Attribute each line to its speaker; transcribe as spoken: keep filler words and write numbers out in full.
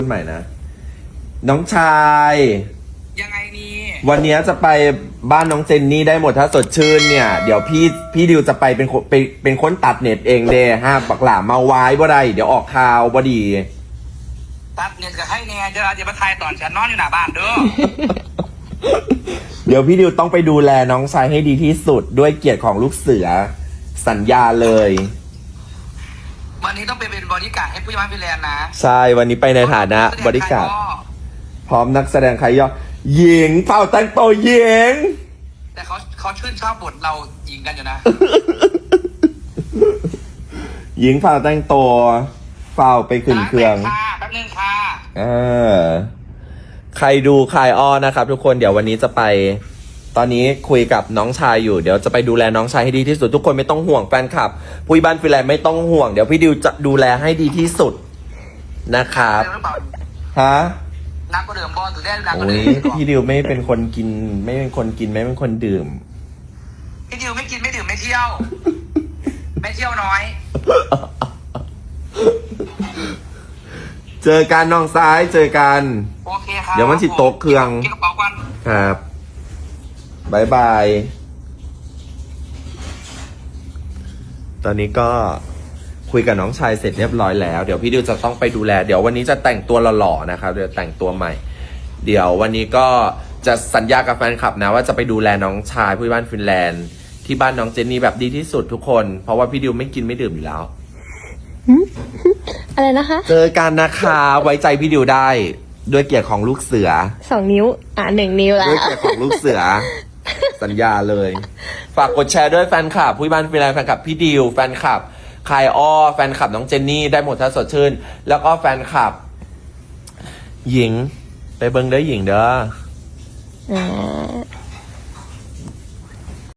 Speaker 1: พูดใหม่นะน้องชาย
Speaker 2: ยังไงนี่
Speaker 1: วันนี้จะไปบ้านน้องเจนนี่ได้หมดถ้าสดชื่นเนี่ยเดี๋ยวพี่พี่ดิวจะไปเป็นคนเป็นเป็นคนตัดเน็ตเองเด้ห้าปักหลามาไว้บ่ได้เดี๋ยวออกข่าวบ่ดี
Speaker 2: ตัดเน็ตกับให้แน่เดี๋ยวเราจะมาทายตอนฉันนอนอยู่หน้าบ้านเด้อ
Speaker 1: เดี๋ยวพี่ดิวต้องไปดูแลน้องชายให้ดีที่สุดด้วยเกียรติของลูกเสือสัญญาเลย
Speaker 2: วันนี้ต้องไปเป็นบริการดให้ผู้ใหญ่บ้านฟิแลนด์นะ
Speaker 1: ใช่วันนี้ไปในฐานะบริการดพร้อมนักแสดงใครย่อหญิงเฝ้าแต่งตัวหญิง
Speaker 2: แต่เขาเขาชื่นชอบบทเรายิงกันอยู่นะ
Speaker 1: หญิงเฝ้าแต่งตัวเฝ้าไปขึ้นเครื่อง
Speaker 2: ค่ะแป๊บนึงค่ะ
Speaker 1: เออใครดูคลายอ้อนะครับทุกคนเดี๋ยววันนี้จะไป ตอนนี้คุยกับน้องชายอยู่เดี๋ยวจะไปดูแลน้องชายให้ดีที่สุดทุกคนไม่ต้องห่วงแฟนคลับผู้บ้านฟิแลนด์ไม่ต้องห่วงเดี๋ยวพี่ดิวจะดูแลให้ดีที่สุดนะครับ
Speaker 2: เดิมหรือเปล่า
Speaker 1: ฮะ
Speaker 2: นักก็เดิมบอลถือได้นักก็
Speaker 1: โอ้
Speaker 2: เดิ
Speaker 1: ย
Speaker 2: ม
Speaker 1: พี่ดิวไม่เป็นคนกิน ไม่เป็นคนกินไม่เป็นคนดื่ม
Speaker 2: พี่ดิวไม่กินไม่ดื่มไม่เที่ยว ไม่เที่ยวน้อย
Speaker 1: เจอกันน้องซ้ายเจอกัน
Speaker 2: โอเคครับ
Speaker 1: เดี๋ยวมันสิตกเครื่อง
Speaker 2: กินกระเป๋ากัน
Speaker 1: ครับบายบาย ตอนนี้ก็คุยกับน้องชายเสร็จเรียบร้อยแล้ว เดี๋ยวพี่ดิวจะต้องไปดูแล เดี๋ยววันนี้จะแต่งตัวหล่อๆนะครับ เดี๋ยวแต่งตัวใหม่ เดี๋ยววันนี้ก็จะสัญญากับแฟนคลับนะว่าจะไปดูแลน้องชายผู้บ้านฟินแลนด์ที่บ้านน้องเจนนี่แบบดีที่สุดทุกคน เพราะว่าพี่ดิวไม่กินไม่ดื่มอยู่แล้ว
Speaker 3: อะไรนะคะ
Speaker 1: เจอกันนะคะไว้ใจพี่ดิวได้ ด้วยเกียรติของลูกเสือ
Speaker 3: สองนิ้ว อ่ะหนึ่งนิ้วแล้
Speaker 1: ด้วย
Speaker 3: ว
Speaker 1: เกียรติของลูกเสือ สัญญาเลย ฝากกดแชร์ด้วยแฟนคลับผู้บ้านฟินแลนด์แฟนคลับพี่ดิวแฟนคลับคายอ้อแฟนคลับน้องเจนนี่ได้หมดถ้าสดชื่น แล้วก็แฟนคลับ หญิง ไปเบิ้งเด้อหญิงเด้อ
Speaker 3: อ่า